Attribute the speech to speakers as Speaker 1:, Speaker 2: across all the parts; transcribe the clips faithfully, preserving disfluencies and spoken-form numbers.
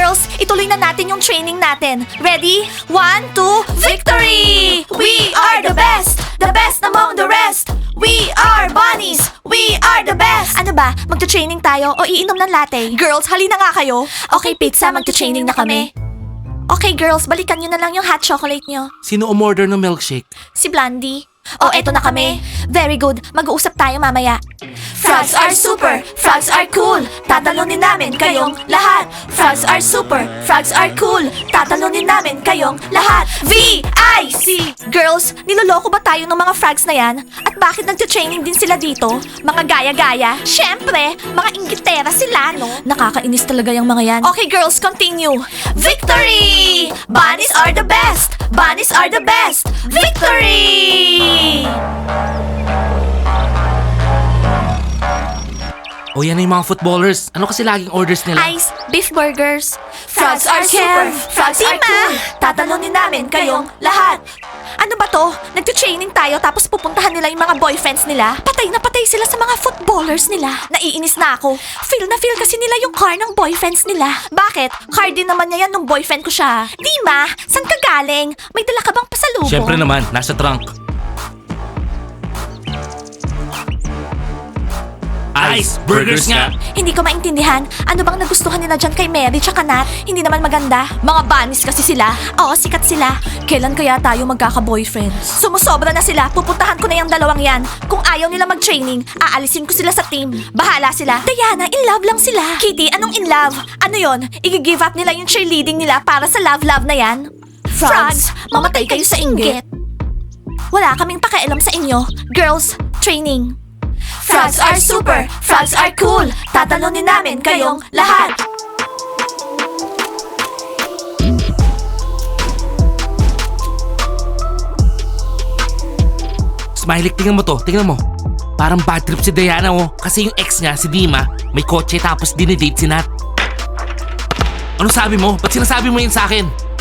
Speaker 1: Girls, ituloy na natin yung training natin. Ready? One, two, victory! We are the best! The best among the rest! We are bunnies! We are the best! Ano ba? Magta-training tayo o iinom ng latte? Girls, halina nga kayo. Okay, pizza, magta-training na kami. Okay, girls, balikan nyo na lang yung hot chocolate nyo.
Speaker 2: Sino umorder ng milkshake?
Speaker 1: Si Blondie. Oh, eto na kami. Very good. Mag-uusap tayo mamaya. Frogs are super. Frogs are cool. Tatalunin namin kayong lahat. Frogs are super. Frogs are cool. Tatalunin namin kayong lahat. V I C Girls, niloloko ba tayo ng mga frogs na yan? At bakit nagte-training din sila dito? Mga gaya-gaya? Syempre, mga inggitera sila, no? Nakakainis talaga yung mga yan. Okay, girls, continue. Victory! Bunnies are the best! Bunnies are the best! Victory!
Speaker 2: O yan na yung mga footballers. Ano kasi laging orders nila?
Speaker 1: Ice, beef burgers. Frogs are super. Frogs are cool. Tatalunin namin kayong lahat. Ano ba to? Nagte-training tayo tapos pupuntahan nila yung mga boyfriends nila? Patay na patay sila sa mga footballers nila. Naiinis na ako. Feel na feel kasi nila yung car ng boyfriends nila. Bakit? Car din naman niya yan nung boyfriend ko siya. Dima, saan ka galing? May dala ka bang pasalubong?
Speaker 2: Siyempre naman, nasa trunk. Ice, burgers nga!
Speaker 1: Hindi ko maintindihan. Ano bang nagustuhan nila dyan kay Mary tsaka Nat? Hindi naman maganda. Mga bunnies kasi sila. Oo, sikat sila. Kailan kaya tayo magkaka-boyfriends? Sumusobra na sila. Pupuntahan ko na yung dalawang yan. Kung ayaw nila mag-training, aalisin ko sila sa team. Bahala sila. Diana, in love lang sila. Kitty, anong in love? Ano yon? I-give up nila yung cheerleading nila para sa love-love na yan? Frogs, mamatay kayo sa inggit. Wala kaming pakialam sa inyo. Girls, training. Frogs are super! Frogs are cool! Tatalunin namin kayong lahat!
Speaker 2: Smiley, tingnan mo to. Tingnan mo. Parang bad trip si Diana, oh. Kasi yung ex niya, si Dima, may kotse tapos dinidate si Nat. Ano sabi mo? Ba't sinasabi mo yun sa akin?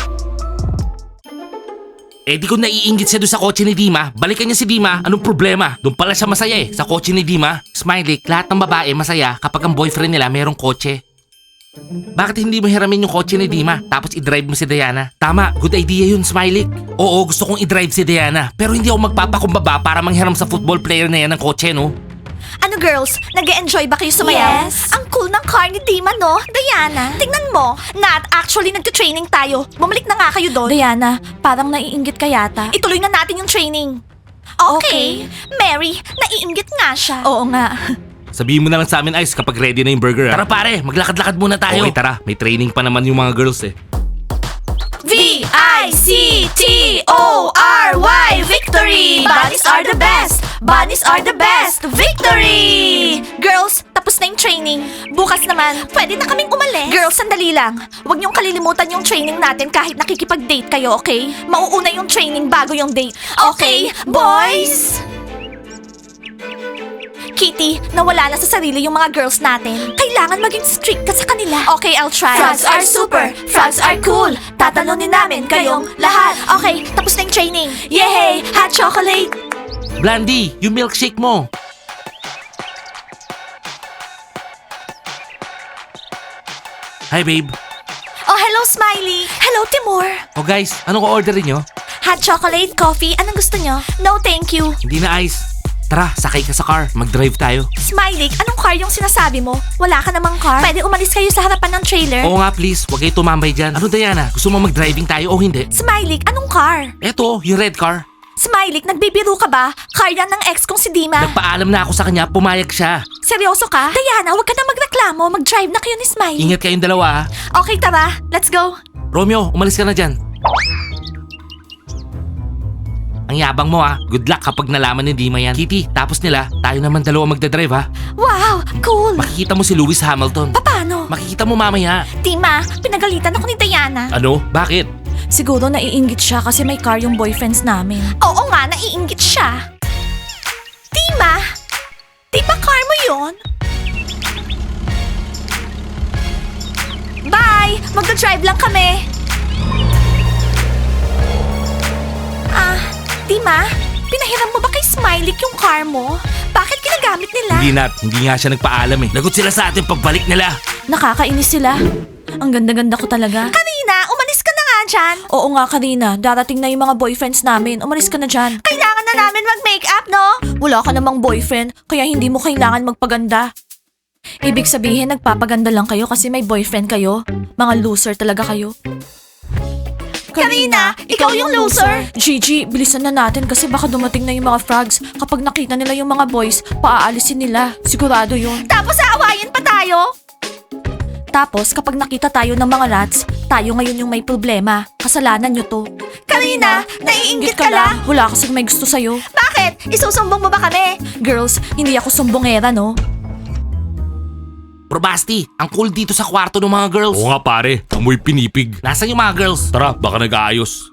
Speaker 2: Eh di ko naiinggit siya doon sa kotse ni Dima. Balikan niya si Dima. Anong problema? Doon pala siya masaya eh, sa kotse ni Dima. Smiley, lahat ng babae masaya kapag ang boyfriend nila mayroong kotse. Bakit hindi mo hiramin yung kotse ni Dima tapos i-drive mo si Diana? Tama, good idea yun, Smiley. Oo, gusto kong i-drive si Diana. Pero hindi ako magpapakumbaba para manghiram sa football player na yan ng kotse, no?
Speaker 1: Ano girls, nag-e-enjoy ba kayo sumayaw?
Speaker 3: Yes.
Speaker 1: Ang cool ng car ni Dima, no? Diana, tingnan mo. Nat, actually nagte-training tayo. Bumalik na nga kayo doon. Diana, parang naiinggit ka yata. Ituloy na natin yung training. Okay. Mary, naiinggit nga siya. Oo nga.
Speaker 2: Sabihin mo na lang sa amin, Ice, kapag ready na yung burger, ha? Tara pare, maglakad-lakad muna tayo. Okay, tara. May training pa naman yung mga girls, eh.
Speaker 1: V I C T O R Y Victory! Bunnies are the best! Bunnies are the best! Victory! Girls, tapos na yung training. Bukas naman, pwede na kaming umalis. Girls, sandali lang. Huwag niyong kalilimutan yung training natin kahit nakikipag-date kayo, okay? Mauuna yung training bago yung date. Okay, boys? Kitty, nawala na sa sarili yung mga girls natin. Kailangan maging strict ka sa kanila. Okay, I'll try. Frogs are super. Frogs are cool. Tatalunin namin kayong lahat. Okay, tapos na yung training. Yay! Hot chocolate!
Speaker 2: Blandy, yung milkshake mo. Hi, babe.
Speaker 1: Oh, hello, Smiley. Hello, Timur.
Speaker 2: Oh, guys, anong orderin nyo?
Speaker 1: Hot chocolate, coffee, anong gusto nyo? No, thank you.
Speaker 2: Hindi na, Ice. Tara, sakay ka sa car. Mag-drive tayo.
Speaker 1: Smiley, anong car yung sinasabi mo? Wala ka namang car? Pwede umalis kayo sa harapan ng trailer?
Speaker 2: Oo nga, please. Huwag kayo tumambay dyan. Ano, Diana? Gusto mo mag-driving tayo o hindi?
Speaker 1: Smiley, anong car?
Speaker 2: Eto, yung red car.
Speaker 1: Smiley, nagbibiro ka ba? Car yan ng ex kong si Dima.
Speaker 2: Nagpaalam na ako sa kanya, pumayag siya.
Speaker 1: Seryoso ka? Diana, huwag ka na magreklamo. Mag-drive na kayo ni Smiley.
Speaker 2: Ingat kayong dalawa, ha?
Speaker 1: Okay, tara. Let's go.
Speaker 2: Romeo, umalis ka na dyan. Ang yabang mo, ha? Good luck kapag nalaman ni Dima yan. Kitty, tapos nila, tayo naman dalawa magdadrive, ha?
Speaker 1: Wow, cool.
Speaker 2: Makikita mo si Lewis Hamilton.
Speaker 1: Paano?
Speaker 2: Makikita mo mamaya.
Speaker 1: Dima, pinagalitan ako ni Diana.
Speaker 2: Ano? Bakit?
Speaker 1: Siguro naiinggit siya kasi may car yung boyfriends namin. Oo nga, naiinggit siya. Dima, di ba car mo yun? Bye! Magdadrive lang kami. Ah, Dima, pinahiram mo ba kay Smiley yung car mo? Bakit ginagamit nila?
Speaker 2: Hindi Nat, hindi nga siya nagpaalam eh. Lagot sila sa atin pagbalik nila.
Speaker 1: Nakakainis sila. Ang ganda-ganda ko talaga. Karina, umalis ka na nga dyan. Oo nga, Karina. Darating na yung mga boyfriends namin. Umalis ka na dyan. Kailangan na namin mag-makeup, no? Wala ka namang boyfriend, kaya hindi mo kailangan magpaganda. Ibig sabihin, nagpapaganda lang kayo kasi may boyfriend kayo? Mga loser talaga kayo. Karina, ikaw yung loser. Gigi, bilisan na natin kasi baka dumating na yung mga frogs. Kapag nakita nila yung mga boys, paaalisin nila. Sigurado yun. Tapos aawayin pa tayo? Tapos, kapag nakita tayo ng mga rats, tayo ngayon yung may problema. Kasalanan nyo to. Karina, naiinggit ka lang. Wala kasing may gusto sa'yo. Bakit? Isusumbong mo ba kami? Girls, hindi ako sumbongera, no?
Speaker 2: Bro Basti, ang cool dito sa kwarto ng mga girls.
Speaker 3: Oo nga pare, amoy pinipig.
Speaker 2: Nasaan yung mga girls?
Speaker 3: Tara, baka nag-aayos.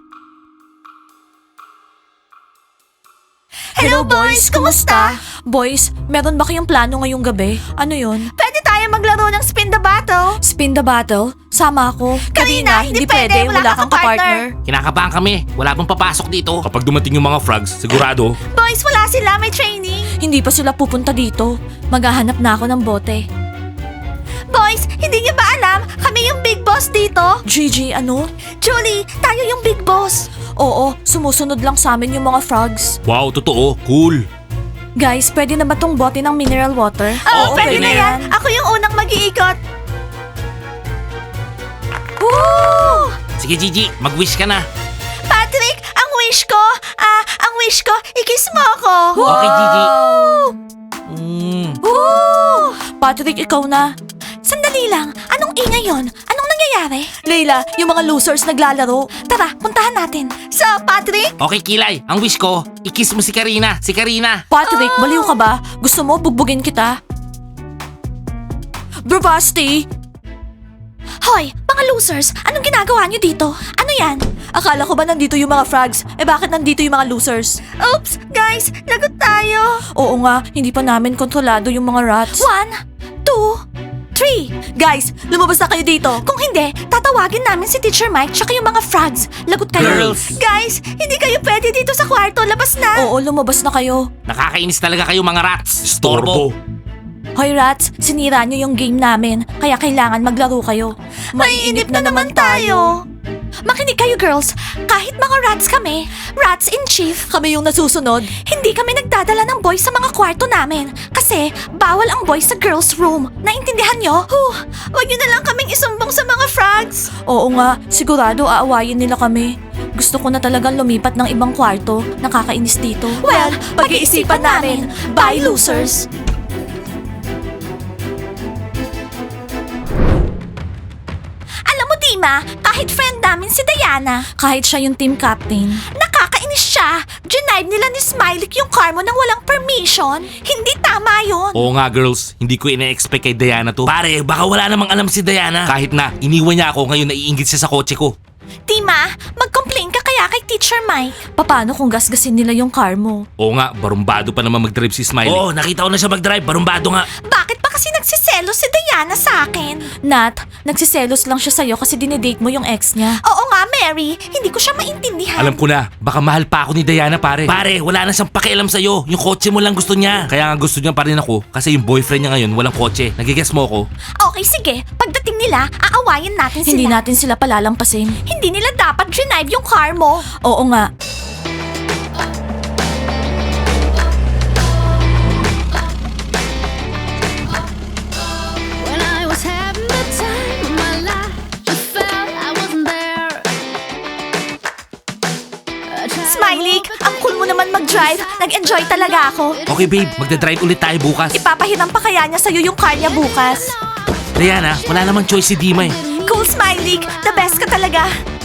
Speaker 1: Hello boys, kumusta? Boys, meron ba kayong plano ngayong gabi? Ano yun? Pwede tayo maglaro ng spin the bottle. Spin the bottle? Sama ako. Karina, hindi pwede, wala kang partner.
Speaker 2: Kinakabahan kami. Wala bang papasok dito?
Speaker 3: Kapag dumating yung mga frogs, sigurado.
Speaker 1: Boys, wala sila, may training. Hindi pa sila pupunta dito. Maghahanap na ako ng bote. Boys, hindi niyo ba alam? Kami yung big boss dito. Gigi, ano? Julie, tayo yung big boss. Oo, sumusunod lang sa amin yung mga frogs.
Speaker 3: Wow, totoo, cool.
Speaker 1: Guys, pwede na ba tong bote ng mineral water?
Speaker 2: Oo, pwede na yan.
Speaker 1: Ako yung unang mag-iikot. Woo!
Speaker 2: Sige Gigi, mag-wish ka na.
Speaker 1: Patrick, ang wish ko, ah, ang wish ko, ikis mo ako.
Speaker 2: Okay, Gigi. Mm.
Speaker 1: Woo! Patrick, ikaw na. Sandali lang, anong ingay yon? Anong nangyayari? Leila, yung mga losers naglalaro. Tara, puntahan natin. So, Patrick?
Speaker 2: Okay Kilay, ang wish ko, i-kiss mo si Karina. Si Karina.
Speaker 1: Patrick, baliw ka ba? Gusto mo bugbugin kita? Bravasti! Hoy, mga losers, anong ginagawa niyo dito? Ano yan? Akala ko ba nandito yung mga frogs? Eh bakit nandito yung mga losers? Oops, guys, lagot tayo. Oo nga, hindi pa namin kontrolado yung mga rats. One, two, three. Guys, lumabas na kayo dito. Kung hindi, tatawagin namin si Teacher Mike tsaka yung mga frogs. Lagot kayo.
Speaker 2: Girls.
Speaker 1: Guys, hindi kayo pwede dito sa kwarto. Labas na. Oo, lumabas na kayo.
Speaker 2: Nakakainis talaga kayo mga rats.
Speaker 3: Storbo.
Speaker 1: Hoy rats, sinira nyo yung game namin, kaya kailangan maglaro kayo. Maiinip na naman tayo. Makinig kayo girls, kahit mga rats kami, rats in chief, kami yung nasusunod, hindi kami nagdadala ng boys sa mga kwarto namin. Kasi bawal ang boys sa girls room. Naintindihan nyo? Huh, wag nyo na lang kaming isumbong sa mga frogs. Oo nga, sigurado aawayin nila kami. Gusto ko na talagang lumipat ng ibang kwarto. Nakakainis dito. Well, pag-iisipan namin. Bye, losers! Alam mo, Dima, kahit friend namin si Diana, kahit siya yung team captain, nakakainis siya. Ginive nila ni Smiley yung car mo nang walang permission. Hindi tama yun.
Speaker 2: Oo nga girls, hindi ko ina-expect kay Diana to. Pare, baka wala namang alam si Diana. Kahit na, iniwan niya ako ngayon naiinggit siya sa kotse ko.
Speaker 1: Dima, mag-complain ka kaya kay Teacher Mike. Paano kung gasgasin nila yung car mo?
Speaker 2: Oo nga, barumbado pa naman mag-drive si Smiley. Oo, nakita ko na siya mag-drive, barumbado nga.
Speaker 1: Bakit pa kasi nagsiselos si Diana sa akin? Nat, nagsiselos lang siya sa'yo kasi dinedate mo yung ex niya. Oo nga, Mary. Hindi ko siya maintindihan.
Speaker 2: Alam ko na, baka mahal pa ako ni Diana pare. Pare, wala na siyang pakialam sa'yo. Yung kotse mo lang gusto niya. Kaya nga gusto niya pa rin ako kasi yung boyfriend niya ngayon walang kotse. Nagigess mo ako?
Speaker 1: Okay, sige. Pagdating nila, aawayin natin sila. Hindi natin sila palalampasin. Hindi nila dapat genive yung car mo. Oo nga.
Speaker 4: When I was having the time of my life, just felt I wasn't there. I tried to
Speaker 1: Smiley,
Speaker 4: hold
Speaker 1: ang cool mo naman mag-drive. Nag-enjoy talaga ako.
Speaker 2: Okay babe, magdadrive ulit tayo bukas.
Speaker 1: Ipapahiram pa kaya niya sa'yo yung car niya bukas.
Speaker 2: Diana, wala namang choice si Dima eh.
Speaker 1: Cool, Smiley. The best ka talaga.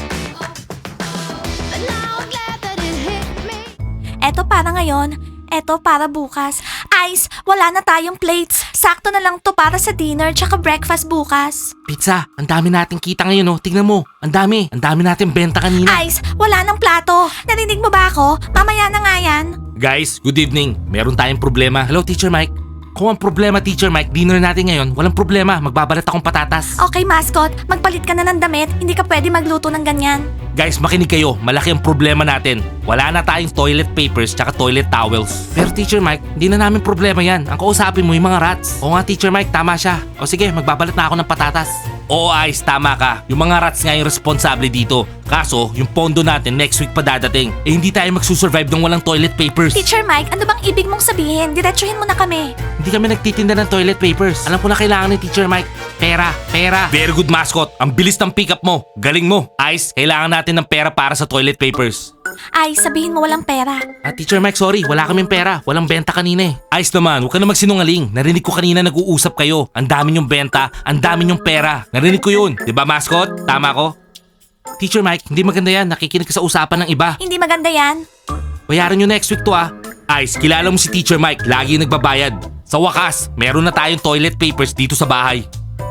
Speaker 4: but now I'm glad that it hit me.
Speaker 1: Eto para ngayon, eto para bukas. Ice, wala na tayong plates. Sakto na lang to para sa dinner tsaka breakfast bukas.
Speaker 2: Pizza, ang dami nating kita ngayon oh. Tingnan mo, ang dami. Ang dami nating benta kanina.
Speaker 1: Ice, wala nang plato. Narinig mo ba ako? Mamaya na nga yan.
Speaker 2: Guys, good evening. Meron tayong problema. Hello, Teacher Mike. Kung ang problema, Teacher Mike, dinner natin ngayon, walang problema. Magbabalat akong patatas.
Speaker 1: Okay, mascot. Magpalit ka na ng damit. Hindi ka pwede magluto ng ganyan.
Speaker 2: Guys, makinig kayo. Malaki ang problema natin. Wala na tayong toilet papers tsaka toilet towels. Pero Teacher Mike, hindi na namin problema yan. Ang kausapin mo yung mga rats. Oo nga Teacher Mike, tama siya. O sige, magbabalat na ako ng patatas. Oo Ice, tama ka. Yung mga rats nga yung responsable dito. Kaso, yung pondo natin next week pa dadating. Eh hindi tayo magsusurvive ng walang toilet papers.
Speaker 1: Teacher Mike, ano bang ibig mong sabihin? Diretsuhin mo na kami.
Speaker 2: Hindi kami nagtitinda ng toilet papers. Alam ko na kailangan ni Teacher Mike. Pera, pera. Very good mascot. Ang bilis ng pick up mo. Galing mo. Ice, kailangan natin ng pera para sa toilet papers.
Speaker 1: Ay, sabihin mo walang pera.
Speaker 2: Ah, Teacher Mike, sorry. Wala kaming pera. Walang benta kanina eh. Ice naman, huwag ka na magsinungaling. Narinig ko kanina nag-uusap kayo. Ang dami niyong benta, ang dami niyong pera. Narinig ko yun. Di ba, mascot? Tama ko? Teacher Mike, hindi maganda yan. Nakikinig ka sa usapan ng iba.
Speaker 1: Hindi maganda yan.
Speaker 2: Bayaran nyo next week to ah. Ice, kilala mo si Teacher Mike. Lagi yung nagbabayad. Sa wakas, meron na tayong toilet papers dito sa bahay.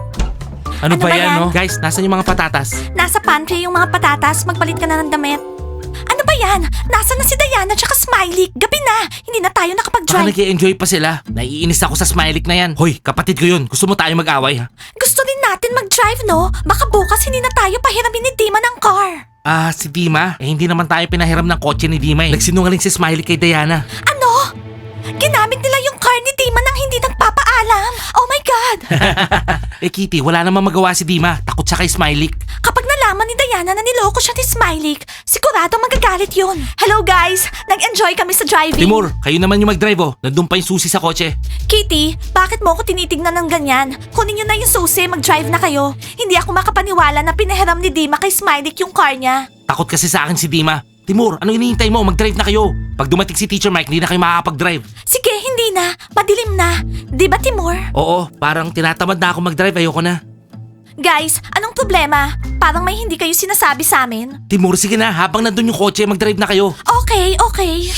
Speaker 2: Ano,
Speaker 1: Ano
Speaker 2: ba
Speaker 1: ba
Speaker 2: yan,
Speaker 1: yan?
Speaker 2: no? Guys, nasan yung mga patatas?
Speaker 1: Nasa pantry yung mga patatas, magpalit ka na ng damit. Ano ba yan? Nasaan na si Diana tsaka Smiley? Gabi na! Hindi na tayo
Speaker 2: Baka
Speaker 1: nakapag-drive.
Speaker 2: nag-i-enjoy pa sila. Naiinis ako sa Smiley na yan. Hoy, kapatid ko yun. Gusto mo tayo mag-away ha?
Speaker 1: Gusto din natin mag-drive, no? Baka bukas hindi na tayo pahiramin ni Dima ng car.
Speaker 2: Ah, si Dima? Eh, hindi naman tayo pinahiram ng kotse ni Dima eh. Nagsinungaling si Smiley kay Diana.
Speaker 1: Ano? Ginamit nila yung car ni Dima nang hindi nagpapaalam. Oh my God!
Speaker 2: Eh, Kitty, wala namang magawa si Dima. Takot siya kay Smiley.
Speaker 1: Kapag nalaman ni Diana na niloko siya ni Smiley, sigurado magagalit yun. Hello guys! Nag-enjoy kami sa driving.
Speaker 2: Timur, kayo naman yung mag-drive oh. Nandun pa yung susi sa kotse.
Speaker 1: Kitty, bakit mo ako tinitignan ng ganyan? Kunin niyo na yung susi, mag-drive na kayo. Hindi ako makapaniwala na pinahiram ni Dima kay Smiley yung car niya.
Speaker 2: Takot kasi sa akin si Dima. Timur, anong hinihintay mo? Mag-drive na kayo. Pag dumating si Teacher Mike, hindi na kayo makakapag-drive.
Speaker 1: Sige, hindi na. Madilim na. Di ba, Timur?
Speaker 2: Oo, parang tinatamad na ako mag-drive. Ayoko na.
Speaker 1: Guys, anong problema? Parang may hindi kayo sinasabi sa amin.
Speaker 2: Timur, sige na. Habang nandun yung kotse, mag-drive na kayo.
Speaker 1: Okay, okay.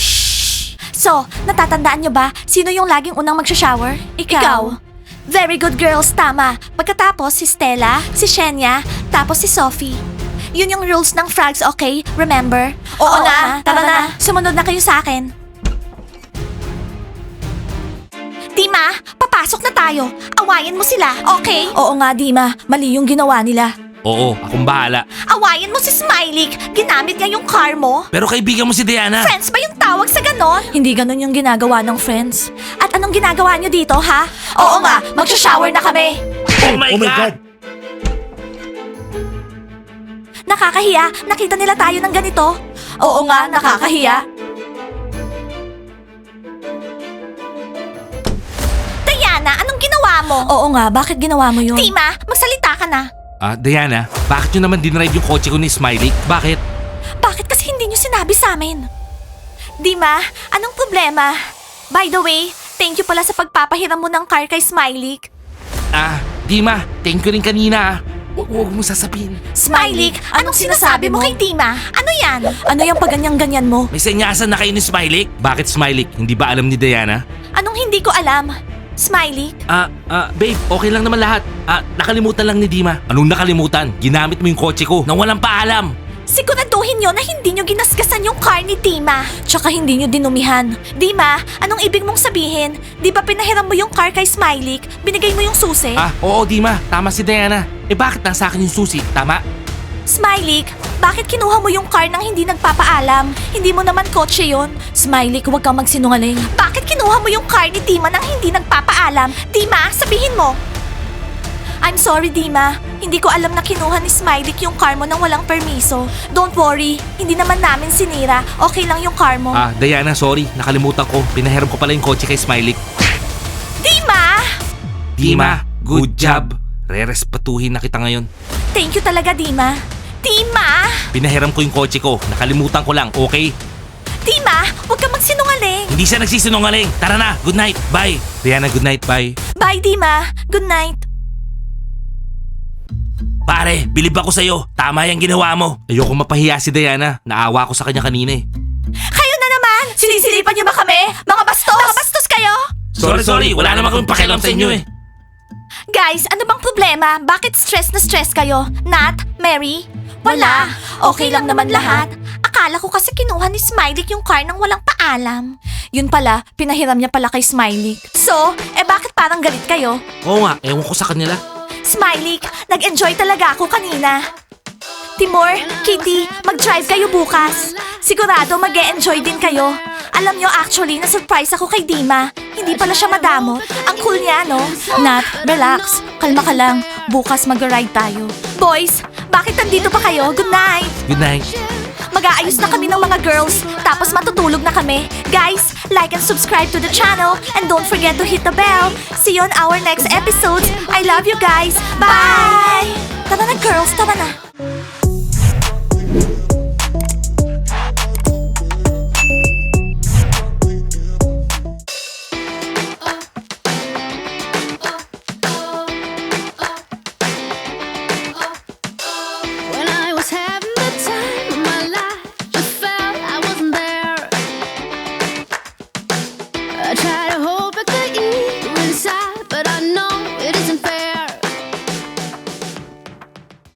Speaker 1: So, natatandaan nyo ba sino yung laging unang magsha-shower? Ikaw. Very good girls, tama. Pagkatapos si Stella, si Shenya, tapos si Sophie. Yun yung rules ng frogs, okay? Remember? Oo, na, tara na. Sumunod na kayo sa akin. Dima, papasok na tayo. Awayin mo sila, okay? Oo nga, Dima. Mali yung ginawa nila.
Speaker 2: Oo, akong bahala.
Speaker 1: Awayin mo si Smiley. Ginamit niya yung car mo.
Speaker 2: Pero kaibigan mo si Diana.
Speaker 1: Friends ba yung tawag sa ganon? Hindi ganon yung ginagawa ng friends. At anong ginagawa nyo dito, ha? Oo nga, magsha-shower na kami.
Speaker 2: Oh my, God!
Speaker 1: Nakakahiya, nakita nila tayo ng ganito. Oo nga, nakakahiya. Diana, anong ginawa mo? Oo nga, bakit ginawa mo yun? Tima, magsalita ka na.
Speaker 2: Ah, Diana, bakit nyo naman dinrive yung kotse ko ni Smiley? Bakit?
Speaker 1: Bakit kasi hindi nyo sinabi sa amin? Dima, anong problema? By the way, thank you pala sa pagpapahiram mo ng car kay Smiley.
Speaker 2: Ah, Dima, thank you rin kanina ah. Huwag huwag mo sasabihin.
Speaker 1: Smiley, anong sinasabi mo kay Dima? Ano yan? Ano yung pagganyan-ganyan mo?
Speaker 2: May senyasan na kayo ni Smiley? Bakit Smiley? Hindi ba alam ni Diana?
Speaker 1: Anong hindi ko alam? Smiley?
Speaker 2: Ah, ah, babe, okay lang naman lahat. Ah, nakalimutan lang ni Dima. Anong nakalimutan? Ginamit mo yung kotse ko nang walang paalam.
Speaker 1: Siguraduhin nyo na hindi nyo ginasgasan yung car ni Dima. Tsaka hindi nyo dinumihan. Dima, anong ibig mong sabihin? Di ba pinahiram mo yung car kay Smiley? Binigay mo yung susi?
Speaker 2: Ah, oo Dima, tama si Diana. Eh bakit nasa akin yung susi? Tama?
Speaker 1: Smiley, bakit kinuha mo yung car nang hindi nagpapaalam? Hindi mo naman kotse yon. Smiley, huwag kang magsinungaling. Bakit kinuha mo yung car ni Dima nang hindi nagpapaalam? Dima, sabihin mo. I'm sorry, Dima. Hindi ko alam na kinuha ni Smiley yung car mo nang walang permiso. Don't worry, hindi naman namin sinira. Okay lang yung car mo.
Speaker 2: Ah, Diana, sorry. Nakalimutan ko. Pinahiram ko pala yung kotse kay Smiley.
Speaker 1: Dima!
Speaker 2: Dima, good job. Rerespatuhin na kita ngayon.
Speaker 1: Thank you talaga, Dima. Dima!
Speaker 2: Pinahiram ko yung kotse ko. Nakalimutan ko lang, okay?
Speaker 1: Dima, huwag kang magsinungaling.
Speaker 2: Hindi siya nagsisinungaling. Tara na, good night, bye. Diana, good night, bye.
Speaker 1: Bye, Dima. Good night.
Speaker 2: Pare, bilib ako sa'yo. Tama yung ginawa mo. Ayoko mapahiya si Diana. Naawa ko sa kanya kanina eh.
Speaker 1: Kayo na naman! Sinisilipan niyo ba kami? Mga bastos! Mga bastos kayo!
Speaker 2: Sorry, sorry. Wala naman akong pakialam sa inyo eh.
Speaker 1: Guys, ano bang problema? Bakit stress na stress kayo? Nat? Mary? Wala. Okay lang naman lahat. Akala ko kasi kinuha ni Smiley yung car nang walang paalam. Yun pala, pinahiram niya pala kay Smiley. So, eh bakit parang galit kayo?
Speaker 2: Oo nga, ewan ko sa kanila.
Speaker 1: Smiley, nag-enjoy talaga ako kanina. Timur, Kitty, mag-drive kayo bukas. Sigurado mag enjoy din kayo. Alam nyo, actually, na-surprise ako kay Dima. Hindi pala siya madamot. Ang cool niya, no? Nat, relax. Kalma ka lang. Bukas mag-ride tayo. Boys, bakit nandito pa kayo? Good night!
Speaker 2: Good night.
Speaker 1: Mag-aayos na kami ng mga girls, tapos matutulog na kami. Guys, like and subscribe to the channel, and don't forget to hit the bell. See you on our next episodes. I love you guys. Bye! Tara na girls, tara na.